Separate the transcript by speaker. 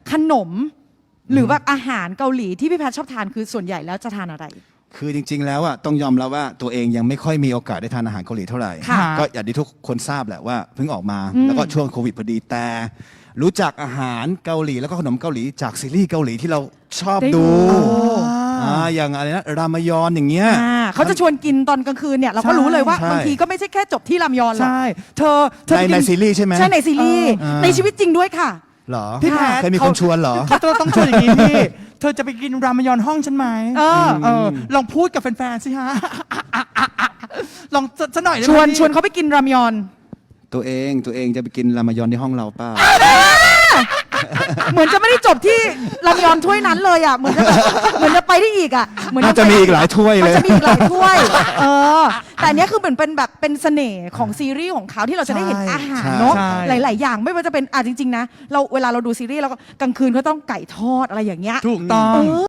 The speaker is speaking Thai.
Speaker 1: ขนม หรือแบบอาหารเกาหลีที่พี่แพทย์ชอบทานคือส่วนใหญ่แล้วจะทานอะไร
Speaker 2: คือจริงๆแล้วอ่ะต้องยอมรับว่าตัวเองยังไม่ค่อยมีโอกาสได้ทานอาหารเกาหลีเท่าไหร่
Speaker 1: ค่ะ
Speaker 2: ก็อย่างที่ทุกคนทราบแหละว่าเพิ่งออกมาแล้วก็ช่วงโควิดพอดีแต่รู้จักอาหารเกาหลีแล้วก็ขนมเกาหลีจากซีรีส์เกาหลีที่เราชอบดูอย่างอะไรนะรามยอนอย่างเงี้ย
Speaker 1: เขาจะชวนกินตอนกลางคืนเนี่ยเราก็รู้เลยว่าบางทีก็ไม่ใช่แค่จบที่รามยอนหรอก
Speaker 3: ใช่เธอ
Speaker 2: ในซีรีส์ใช่ไหม
Speaker 1: ใช่ในซีรีส์ในชีวิตจริงด้วยค่ะ
Speaker 2: เหรอ
Speaker 3: พี่แพท
Speaker 2: เคยมีคนชวนเหรอ
Speaker 3: เขาต้องชวนอย่างนี้พี่ เธอจะไปกินรามยอนห้องฉันไหมลองพูดกับแฟนๆสิฮะ ลองสักหน่อยได้ไหม
Speaker 1: ชวนเขาไปกินรามยอน
Speaker 2: ตัวเองจะไปกินรามยอนที่ห้องเราเปล่า
Speaker 1: เหมือนจะไม่ได้จบที่รามยอนถ้วยนั้นเลยอ่ะเหมือนจะไปได้อีกอ่ะเหมือน
Speaker 2: น่าจะมีอีกหลายถ้วยเลย
Speaker 1: มันจะมีอีกหลายถ้วยแต่อันเนี้ยคือเหมือนเป็นแบบเป็นเสน่ห์ของซีรีส์ของเขาที่เราจะได้เห็นอาหารเนาะหลายๆอย่างไม่ว่าจะเป็นจริงๆนะเราเวลาเราดูซีรีส์เราก็กลางคืนก็ต้องไก่ทอดอะไรอย่างเงี้ย
Speaker 3: ถูกต้อง